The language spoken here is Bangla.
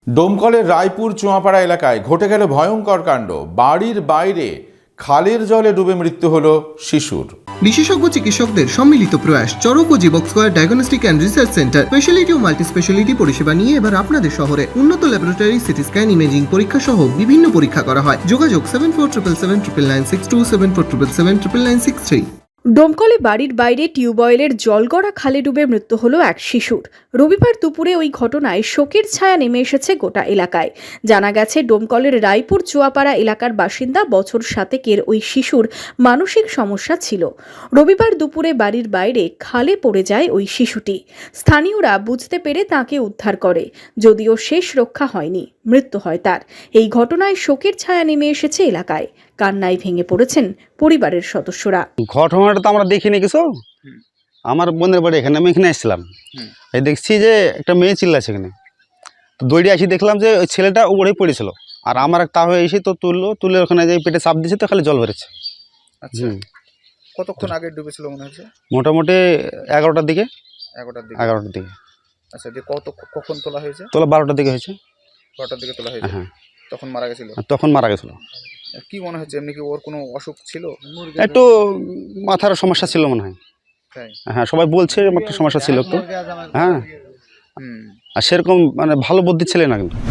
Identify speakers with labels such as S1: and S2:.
S1: ডোমকলের রায়পুর চুয়াপাড়া এলাকায় ঘটে গেল ভয়ঙ্কর কাণ্ড। বাড়ির বাইরে খালের জলে ডুবে মৃত্যু হলো শিশুর।
S2: বিশেষজ্ঞ চিকিৎসকদের সম্মিলিত প্রয়াস চরক ও Jivak square diagnostic and research centre speciality ও মাল্টি স্পেশালিটি পরিষেবা নিয়ে এবার আপনাদের শহরে উন্নত ল্যাবরেটরি সিটি স্ক্যান ইমেজিং পরীক্ষা সহ বিভিন্ন পরীক্ষা করা হয়। যোগাযোগ 7477799627 7477799663।
S3: ডোমকলে বাড়ির বাইরে টিউবওয়েলের জলগড়া খালে ডুবে মৃত্যু হলো এক শিশুর। রবিবার দুপুরে ওই ঘটনায় শোকের ছায়া নেমে এসেছে গোটা এলাকায়। জানা গেছে, ডোমকলের রায়পুর চুয়াপাড়া এলাকার বাসিন্দা বছর 7 ওই শিশুর মানসিক সমস্যা ছিল। রবিবার দুপুরে বাড়ির বাইরে খালে পড়ে যায় ওই শিশুটি। স্থানীয়রা বুঝতে পেরে তাকে উদ্ধার করে, যদিও শেষ রক্ষা হয়নি, মৃত্যু হয় তার। এই ঘটনায় শোকের ছায়া নেমে এসেছে এলাকায়। কান্নায় ভেঙে পড়েছেন পরিবারের সদস্যরা।
S4: ঘটনাটা তো আমরা দেখিনি কিছু। আমার বোনের বাড়ি এখানে, আমি এখানে এসেছিলাম। এই দেখছি যে একটা মেয়ে চিল্লাছে এখানে, তো দৌড়ে আসি, দেখলাম যে ওই ছেলেটা উপরেই পড়েছিল। আর আমার তা হয়ে এসে তো তুলে ওখানে যে পেটে চাপ দিয়েছে, তো খালি জল বেরোচ্ছে।
S5: আচ্ছা, কতক্ষণ আগে ডুবেছিল মনে হচ্ছে?
S4: মোটামুটি 11টার দিকে।
S5: 11টার দিকে। আচ্ছা, যে কখন তোলা হয়েছে?
S4: তোলা 12টার দিকে হয়েছে।
S5: 12টার দিকে তোলা হয়েছে।
S4: হ্যাঁ,
S5: তখন মারা গেছিল?
S4: তখন মারা গেছিল।
S5: কি মনে হচ্ছে, এমনি কি ওর কোনো অসুখ ছিল?
S4: একটু মাথার সমস্যা ছিল মনে হয়। হ্যাঁ, সবাই বলছে একটা সমস্যা ছিল একটু। হ্যাঁ, আর সেরকম মানে ভালো বুদ্ধি ছিল না কিন্তু।